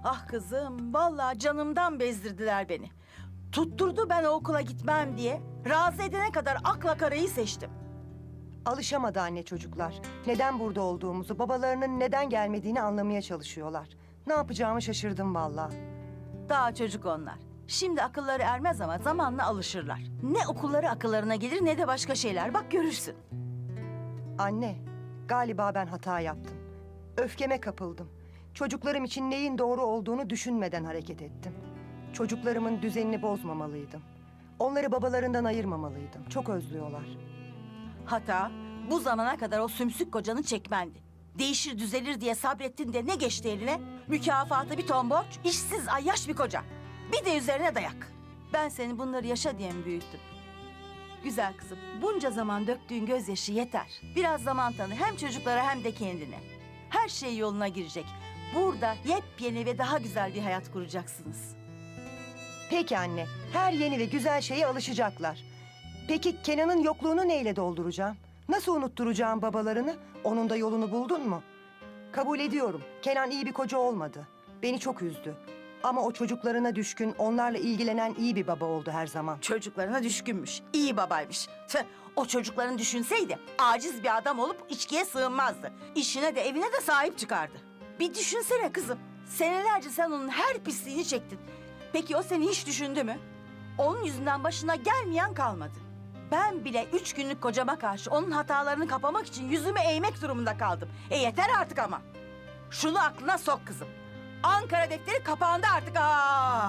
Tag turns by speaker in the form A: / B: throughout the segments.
A: Ah kızım, vallahi canımdan bezdirdiler beni. Tutturdu ben o okula gitmem diye. Razı edene kadar akla karayı seçtim.
B: Alışamadı anne çocuklar. Neden burada olduğumuzu, babalarının neden gelmediğini anlamaya çalışıyorlar. Ne yapacağımı şaşırdım vallahi.
A: Daha çocuk onlar. Şimdi akılları ermez ama zamanla alışırlar. Ne okulları akıllarına gelir ne de başka şeyler. Bak görürsün.
B: Anne, galiba ben hata yaptım. Öfkeme kapıldım. Çocuklarım için neyin doğru olduğunu düşünmeden hareket ettim. Çocuklarımın düzenini bozmamalıydım. Onları babalarından ayırmamalıydım. Çok özlüyorlar.
A: Hata bu zamana kadar o sümsük kocanı çekmendi. Değişir düzelir diye sabrettin de ne geçti eline? Mükafatı bir ton borç, işsiz ayyaş bir koca. Bir de üzerine dayak. Ben seni bunları yaşa diye mi büyüttüm? Güzel kızım, bunca zaman döktüğün gözyaşı yeter. Biraz zaman tanı hem çocuklara hem de kendine. Her şey yoluna girecek. Burada yepyeni ve daha güzel bir hayat kuracaksınız.
B: Peki anne, her yeni ve güzel şeye alışacaklar. Peki Kenan'ın yokluğunu neyle dolduracağım? Nasıl unutturacağım babalarını? Onun da yolunu buldun mu? Kabul ediyorum, Kenan iyi bir koca olmadı. Beni çok üzdü. Ama o çocuklarına düşkün, onlarla ilgilenen iyi bir baba oldu her zaman.
A: Çocuklarına düşkünmüş, iyi babaymış. Tüh, o çocukların düşünseydi aciz bir adam olup içkiye sığınmazdı. İşine de evine de sahip çıkardı. Bir düşünsene kızım. Senelerce sen onun her pisliğini çektin. Peki o seni hiç düşündü mü? Onun yüzünden başına gelmeyen kalmadı. Ben bile 3 günlük kocama karşı onun hatalarını kapamak için yüzümü eğmek durumunda kaldım. Yeter artık ama. Şunu aklına sok kızım. Ankara defteri kapandı artık. Aa!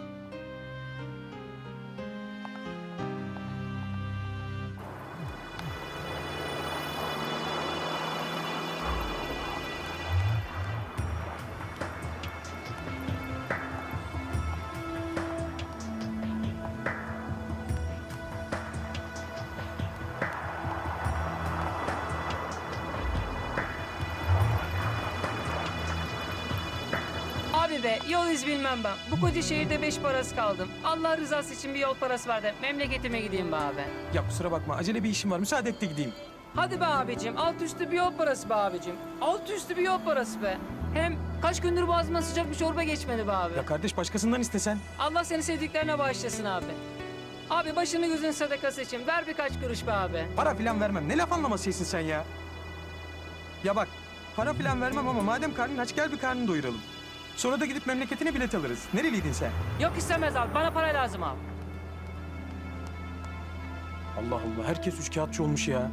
C: Abi be, yol iz bilmem ben. Bu koca şehirde 5 parası kaldım. Allah rızası için bir yol parası ver de memleketime gideyim be abi.
D: Ya kusura bakma, acele bir işim var. Müsaade et de gideyim.
C: Hadi be abicim, alt üstü bir yol parası be abicim. Alt üstü bir yol parası be. Hem kaç gündür boğazıma sıcak bir çorba geçmedi be abi.
D: Ya kardeş, başkasından istesen.
C: Allah seni sevdiklerine bağışlasın abi. Abi başını gözün sadakası için ver birkaç kuruş be abi.
D: Para filan vermem. Ne laf anlamasıysın sen ya? Ya bak, para filan vermem ama madem karnın aç, gel bir karnını doyuralım. Sonra da gidip memleketine bilet alırız. Nereliydin sen?
C: Yok istemez abi, bana para lazım abi.
D: Allah Allah, herkes üçkağıtçı olmuş ya.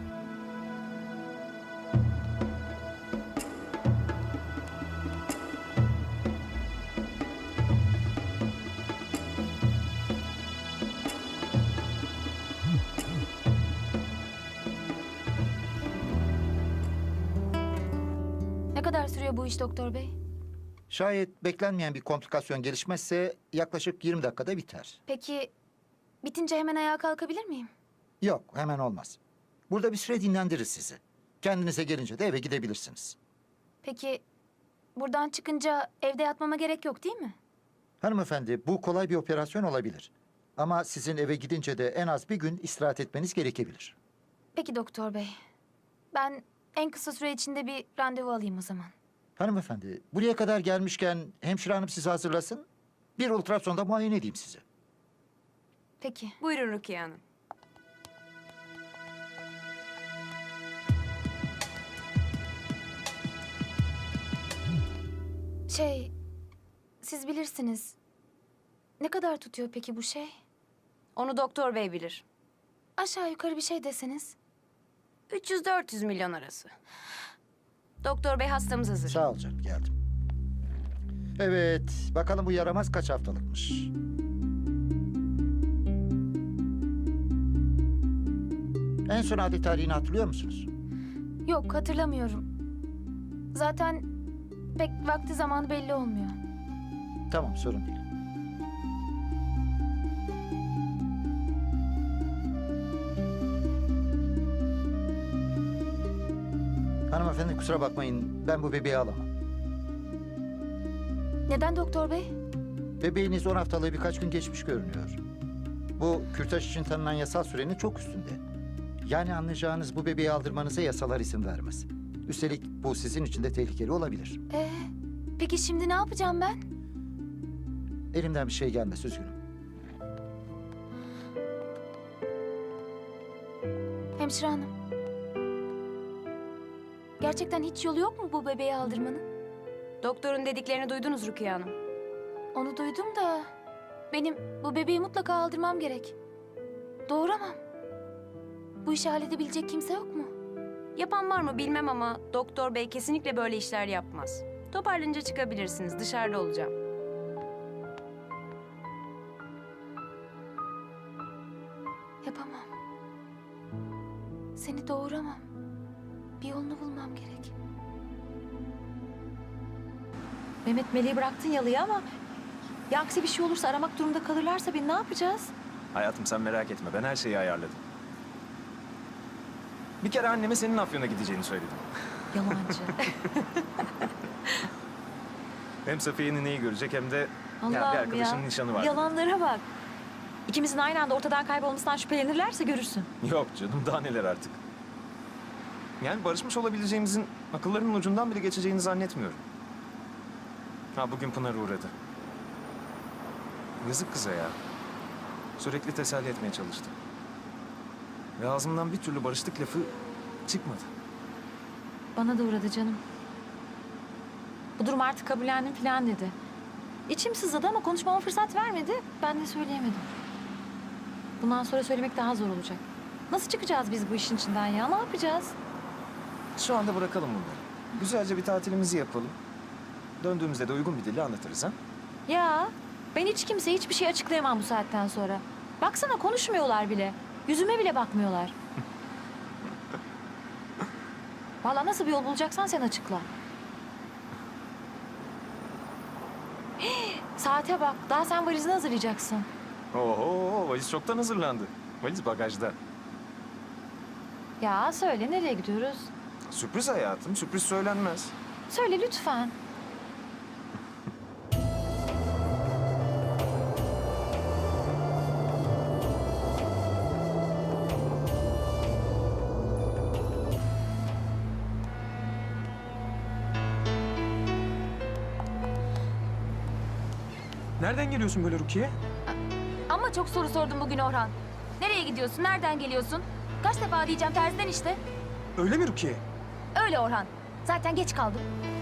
E: Ne kadar sürüyor bu iş doktor bey?
F: Şayet beklenmeyen bir komplikasyon gelişmezse yaklaşık 20 dakikada biter.
E: Peki bitince hemen ayağa kalkabilir miyim?
F: Yok, hemen olmaz. Burada bir süre dinlendiririz sizi. Kendinize gelince de eve gidebilirsiniz.
E: Peki buradan çıkınca evde yatmama gerek yok değil mi?
F: Hanımefendi, bu kolay bir operasyon olabilir. Ama sizin eve gidince de en az bir gün istirahat etmeniz gerekebilir.
E: Peki doktor bey. Ben en kısa süre içinde bir randevu alayım o zaman.
F: Hanımefendi, buraya kadar gelmişken hemşire hanım sizi hazırlasın. Bir ultrasonda muayene edeyim sizi.
E: Peki.
G: Buyurun Rukiye Hanım.
E: Siz bilirsiniz. Ne kadar tutuyor peki bu şey?
G: Onu doktor bey bilir.
E: Aşağı yukarı bir şey deseniz.
G: 300-400 milyon arası. Doktor bey hastamız hazır.
F: Sağ ol canım, geldim. Evet, bakalım bu yaramaz kaç haftalıkmış. En son adet tarihini hatırlıyor musunuz?
E: Yok hatırlamıyorum. Zaten pek vakti zamanı belli olmuyor.
F: Tamam, sorun değil. Hanımefendi kusura bakmayın, ben bu bebeği alamam.
E: Neden doktor bey?
F: Bebeğiniz 10 haftalığı birkaç gün geçmiş görünüyor. Bu kürtaj için tanınan yasal sürenin çok üstünde. Yani anlayacağınız bu bebeği aldırmanıza yasalar izin vermez. Üstelik bu sizin için de tehlikeli olabilir.
E: Peki şimdi ne yapacağım ben?
F: Elimden bir şey gelmez, üzgünüm.
E: Hemşire hanım. Gerçekten hiç yolu yok mu bu bebeği aldırmanın?
G: Doktorun dediklerini duydunuz Rukiye Hanım.
E: Onu duydum da benim bu bebeği mutlaka aldırmam gerek. Doğuramam. Bu işi halledebilecek kimse yok mu?
G: Yapan var mı bilmem ama doktor bey kesinlikle böyle işler yapmaz. Toparlanınca çıkabilirsiniz. Dışarıda olacağım.
E: Yapamam. Seni doğuramam. Bir yolunu bulmam gerek.
H: Mehmet Meleği bıraktın yalıya ama... Ya aksi bir şey olursa aramak durumunda kalırlarsa ne yapacağız?
I: Hayatım sen merak etme. Ben her şeyi ayarladım. Bir kere anneme senin Afyon'a gideceğini söyledim.
H: Yalancı.
I: Hem Safiye nineyi görecek hem de ya, bir
H: Allah'ım
I: arkadaşının
H: ya.
I: nişanı var.
H: Yalanlara bak. İkimizin aynı anda ortadan kaybolmasından şüphelenirlerse görürsün.
I: Yok canım daha neler artık. Yani barışmış olabileceğimizin akıllarının ucundan bile geçeceğini zannetmiyorum. Ha bugün Pınar uğradı. Yazık kıza ya. Sürekli teselli etmeye çalıştı. Ve ağzımdan bir türlü barıştık lafı çıkmadı.
H: Bana da uğradı canım. Bu durum artık kabullendim falan dedi. İçim sızladı ama konuşmama fırsat vermedi. Ben de söyleyemedim. Bundan sonra söylemek daha zor olacak. Nasıl çıkacağız biz bu işin içinden ya? Ne yapacağız?
I: Şu anda bırakalım bunları. Güzelce bir tatilimizi yapalım. Döndüğümüzde de uygun bir dille anlatırız ha.
H: Ya ben hiç kimseye hiçbir şey açıklayamam bu saatten sonra. Baksana konuşmuyorlar bile. Yüzüme bile bakmıyorlar. Vallahi nasıl bir yol bulacaksan sen açıkla. Saate bak. Daha sen valizini hazırlayacaksın.
I: Oho, valiz çoktan hazırlandı. Valiz bagajda.
H: Ya söyle nereye gidiyoruz?
I: Sürpriz hayatım, sürpriz söylenmez.
H: Söyle lütfen.
D: Nereden geliyorsun böyle Rukiye?
E: Ama çok soru sordum bugün Orhan. Nereye gidiyorsun? Nereden geliyorsun? Kaç defa diyeceğim terziden işte.
D: Öyle mi Rukiye?
E: Öyle Orhan. Zaten geç kaldım.